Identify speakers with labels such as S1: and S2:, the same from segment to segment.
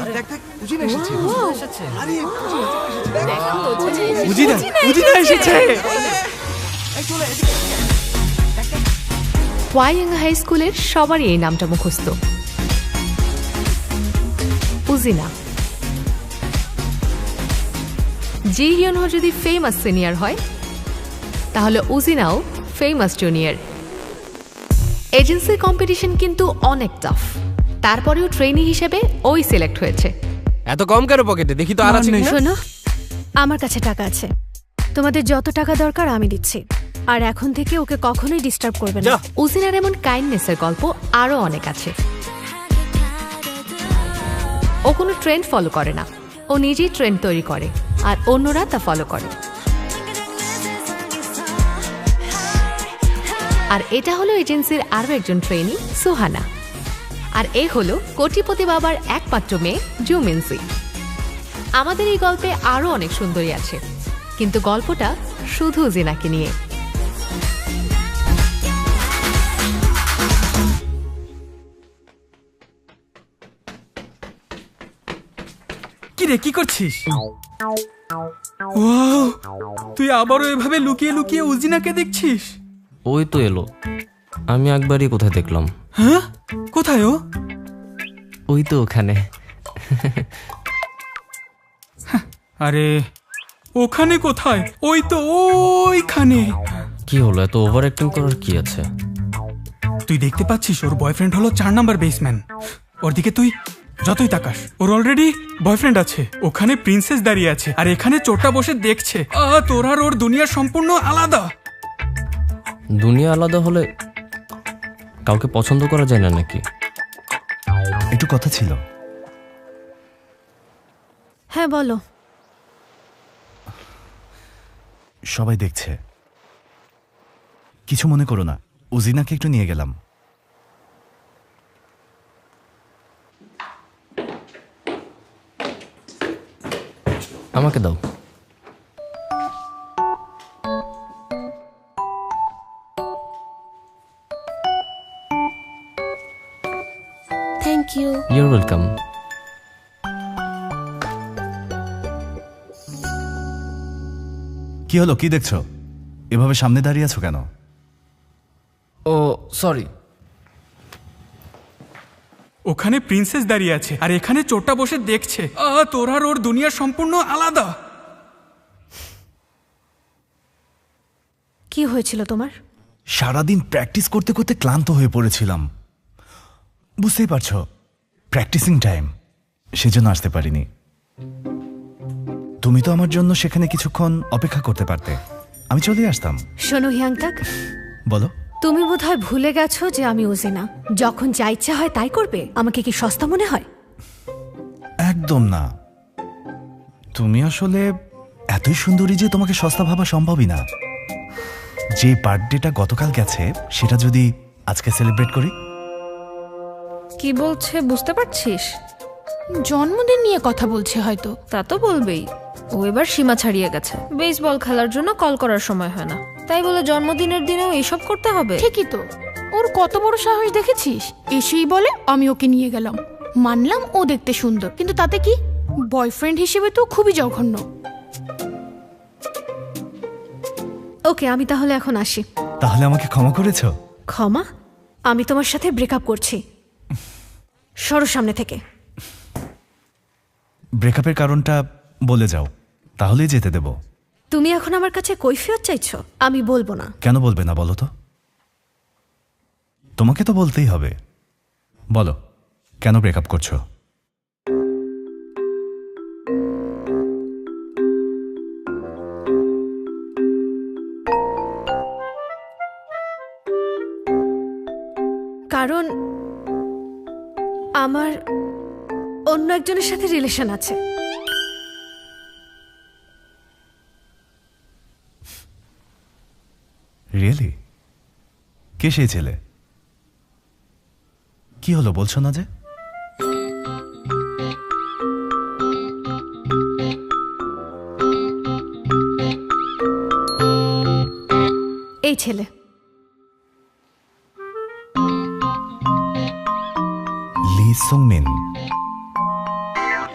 S1: দেখ দেখ উজিনা এসেছে। আরে
S2: উজিনা এসেছে।
S3: ওয়াইয়াঙ্গা হাই স্কুলের সবারই এই নামটা মুখস্থ, উজিনা। জি হিয়নহো যদি ফেমাস সিনিয়র হয়, তাহলে উজিনাও ফেমাস জুনিয়র। এজেন্সির কম্পিটিশন কিন্তু অনেক টাফ, তারপরেও ট্রেনি হিসেবে ওই সিলেক্ট হয়েছে।
S2: এত কম কেন পকেটে? দেখি তো আর আছে কিনা।
S4: শোনো, আমার কাছে টাকা আছে, তোমাদের যত টাকা দরকার আমি দিচ্ছি, আর এখন থেকে ওকে কখনোই ডিস্টার্ব করবে না।
S3: উজিনার এমন কাইন্ডনেসের গল্প আরো অনেক আছে। ও কোনো ট্রেন্ড ফলো করে না, ও নিজেই ট্রেন্ড তৈরি করে আর অন্যরা তা ফলো করে। আর এটা হলো এজেন্সির আরো একজন ট্রেনি, সুহানা। আর এ হলো কোটিপতি বাবার একমাত্র মেয়ে, জুমিনসি। আমাদের এই গল্পে আরো অনেক সুন্দরী আছে, কিন্তু গল্পটা শুধু জিনাকে নিয়ে।
S5: কি রে, কি করছিস? ওয়াও, তুই আবারও এভাবে লুকিয়ে লুকিয়ে উজিনাকে দেখছিস?
S6: ওই তো এলো, আমি একবারই কোথায় দেখলাম।
S5: হ্যাঁ, কোথায় ও?
S6: ওই তো ওখানে।
S5: আরে ওখানে কোথায়? ওই তো ওইখানে।
S6: কি হলো, এত ওভার অ্যাক্টিং করার কি আছে?
S5: তুই দেখতে পাচ্ছিস ওর বয়ফ্রেন্ড হলো 4 নাম্বার বেসম্যান। ওর দিকে তুই যতই তাকাস, ওর অলরেডি বয়ফ্রেন্ড আছে। ওখানে প্রিন্সেস দাঁড়িয়ে আছে, আর এখানে চোরটা বসে দেখছে। তোর আর ওর দুনিয়া সম্পূর্ণ আলাদা।
S6: দুনিয়া আলাদা হলে কাউকে পছন্দ করা যায় না নাকি?
S1: একটু কথা ছিল।
S4: হ্যাঁ বলো।
S1: সবাই দেখছে, কিছু মনে করো না। উজিনাকে একটু নিয়ে গেলাম।
S6: আমাকে দাও।
S4: Thank you.
S6: You're welcome.
S1: কি হলো, কি দেখছো? এভাবে সামনে দাঁড়িয়ে আছো কেন?
S6: ও সরি।
S5: ওখানে প্রিন্সেস দাঁড়িয়ে আছে, আর এখানে চোরটা বসে দেখছে। তোর আর ওর দুনিয়া সম্পূর্ণ আলাদা।
S4: কি হয়েছিল তোমার?
S1: সারাদিন প্র্যাকটিস করতে করতে ক্লান্ত হয়ে পড়েছিলাম। বুঝতেই পারছো, প্র্যাকটিসিং টাইম, সেজন্য আসতে পারিনি। তুমি তো আমার জন্য সেখানে কিছুক্ষণ অপেক্ষা করতে পারতে, আমি চলে আসতাম।
S4: শোনো হিয়াংতাক,
S1: বলো।
S4: তুমি বোধহয় ভুলে গেছো যে আমি উজিনা। যখন যা ইচ্ছা হয় তাই করবে। আমাকে কি সস্তা মনে হয়?
S1: একদম না। তুমি আসলে এতই সুন্দরী যে তোমাকে সস্তা ভাবা সম্ভবই না। যে বার্থডেটা গতকাল গেছে, সেটা যদি আজকে সেলিব্রেট করি।
S7: কি বলছে বুঝতে পারছিস?
S8: জন্মদিন নিয়ে কথা বলছে হয়তো।
S7: তা তো বলবেই। ও এবার সীমা ছাড়িয়ে গেছে। বেসবল খেলার জন্য কল করার সময় হয় না, তাই বলে জন্মদিনের দিনেও এসব করতে হবে?
S8: ঠিকই তো, ওর কত বড় সাহস দেখেছিস? এসেই বলে আমি ওকে নিয়ে গেলাম। মানলাম ও দেখতে সুন্দর, কিন্তু তাতে কি? বয়ফ্রেন্ড হিসেবে তো খুবই জঘন্য।
S4: ওকে, আমি তাহলে এখন আসি।
S1: তাহলে আমাকে ক্ষমা করেছো?
S4: ক্ষমা? আমি তোমার সাথে ব্রেকআপ করছি। সরো সামনে থেকে।
S1: ব্রেকআপের কারণটা বলে যাও, তাহলেই যেতে দেব।
S4: তুমি এখন আমার কাছে কৈফিয়ত চাইছো? আমি বলবো না।
S1: কেন বলবে না বলো তো? তোমাকে তো বলতেই হবে। বলো, কেন ব্রেকআপ করছো?
S4: কারণ আমার অন্য একজনের সাথে রিলেশন আছে।
S1: রিয়েলি? কে সেই ছেলে? কি হলো, বলছো না যে?
S4: এই ছেলে।
S1: লি সুংমিন।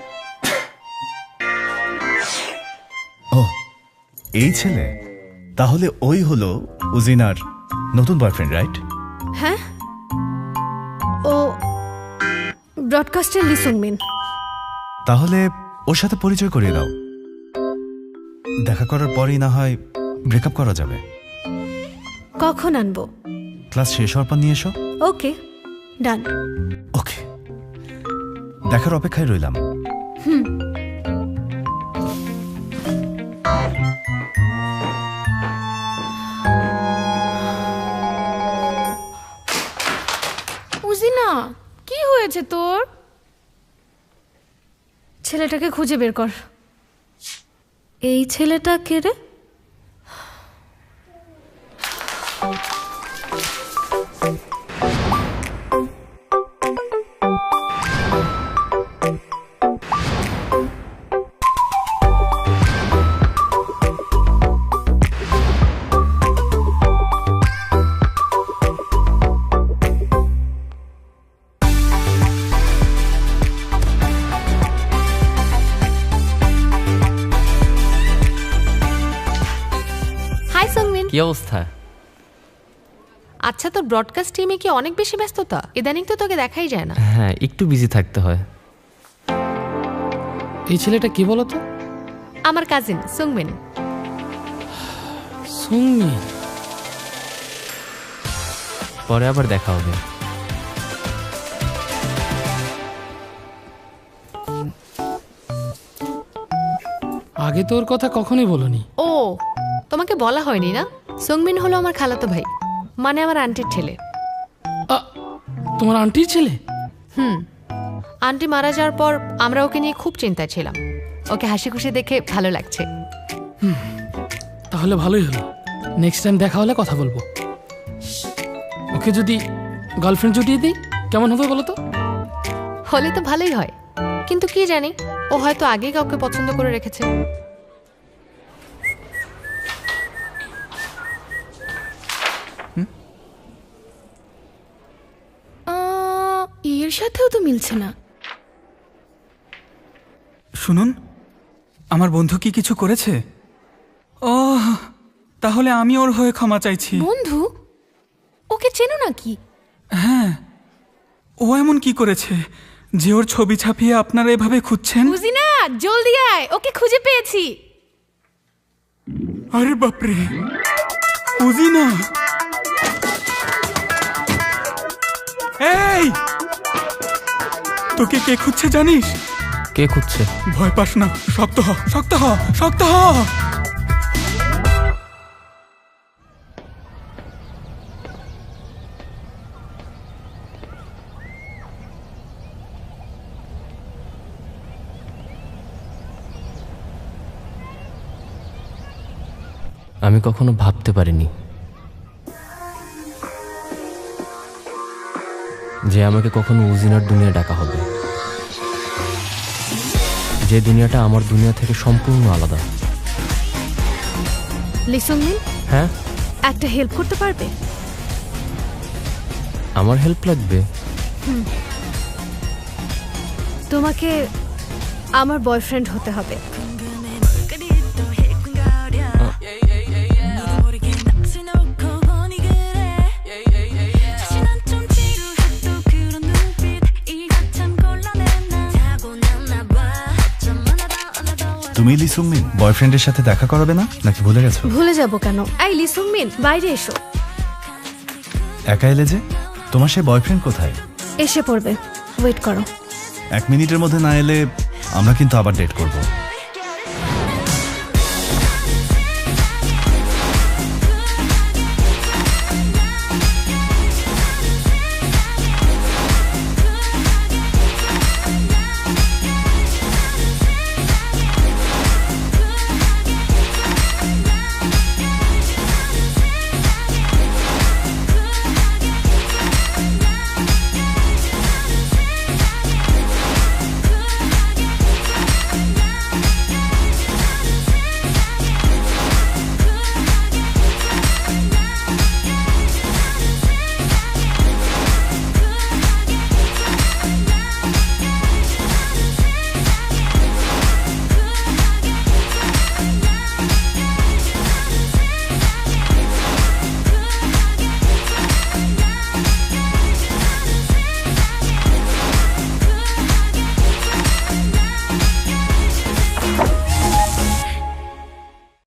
S1: এই ছেলে তাহলে ওই হলো উজিনার নতুন বয়ফ্রেন্ড, রাইট?
S4: হ্যাঁ, ও ব্রডকাস্টের লিসুংমিন।
S1: তাহলে ওর সাথে পরিচয় করিয়ে দাও। দেখা করার পরেই না হয় ব্রেকআপ করা যাবে।
S4: কখন আনবো?
S1: ক্লাস শেষ হওয়ার পর নিয়ে এসো।
S4: ওকে, ডান।
S1: ওকে, দেখার অপেক্ষায় রইলাম।
S8: উজিনা, কি হয়েছে তোর?
S4: ছেলেটাকে খুঁজে বের কর।
S7: এই ছেলেটা কে রে?
S3: Hi Sungmin.
S6: কি অবস্থা?
S3: আচ্ছা, তোর ব্রডকাস্ট টিমে কি অনেক বেশি ব্যস্ততা? ইদানিং তো তোকে দেখাই যায় না।
S6: হ্যাঁ, একটু বিজি থাকতে হয়।
S2: এই ছেলেটা কি বলতো?
S3: আমার কাজিন সুংমিন।
S2: সুংমি।
S6: পরে আবার দেখা হবে।
S2: আগে তোর কথা কখনোই বলনি।
S3: ও, তোমাকে বলা হয়নি না? সুংমিন হলো আমার খালাতো ভাই, মানে আমার আন্টির ছেলে।
S2: তোমার আন্টির ছেলে?
S3: আন্টি মারা যাওয়ার পর আমরা ওকে নিয়ে খুব চিন্তায় ছিলাম। ওকে হাসি খুশি দেখে ভালো লাগছে।
S2: তাহলে ভালোই হলো। নেক্সট টাইম দেখা হলে কথা বলবো। ওকে যদি গার্লফ্রেন্ড জুটিয়ে দিই কেমন হবে বলো তো?
S3: হলে তো ভালোই হয়, কিন্তু কি জানি, ও হয়তো আগেই কাউকে পছন্দ করে রেখেছে।
S8: এর সাথেও তো মিলছে না।
S5: শুনুন, আমার বন্ধু কি কিছু করেছে? ও, তাহলে আমি ওর হয়ে ক্ষমা চাইছি।
S8: বন্ধু? ওকে চেনো নাকি?
S5: হ্যাঁ, ও এমন কি করেছে যে ওর ছবি ছাপিয়ে আপনারা এভাবে খুঁজছেন?
S8: উজিনা, জলদি আয়, ওকে খুঁজে পেয়েছি।
S5: আরে বাপরে, উজিনা! এই, তোকে কে খুঁজছে জানিস?
S6: কে খুঁজছে?
S5: ভয় পাস না, শক্ত হ, শক্ত হ, শক্ত হ।
S6: আমি কখনো ভাবতে পারিনি যে আমাকে কখনো উজিনার দুনিয়া ডাকা হবে, যে দুনিয়াটা আমার দুনিয়া থেকে সম্পূর্ণ আলাদা।
S4: লিসুংমিন,
S6: হ্যাঁ,
S4: একটা হেল্প করতে পারবে?
S6: আমার হেল্প লাগবে?
S4: তোমাকে আমার বয়ফ্রেন্ড হতে হবে।
S1: তুমি লিসুংমিন বয়ফ্রেন্ডের সাথে দেখা করাবে না নাকি ভুলে গেছো?
S4: ভুলে যাব কেন? এই লিসুংমিন, বাইরে এসো।
S1: একা এলে যে? তোমার সে বয়ফ্রেন্ড কোথায়?
S4: এসে পড়বে, ওয়েট করো।
S1: 1 মিনিটের মধ্যে না এলে আমরা কিন্তু আবার ডেট করব।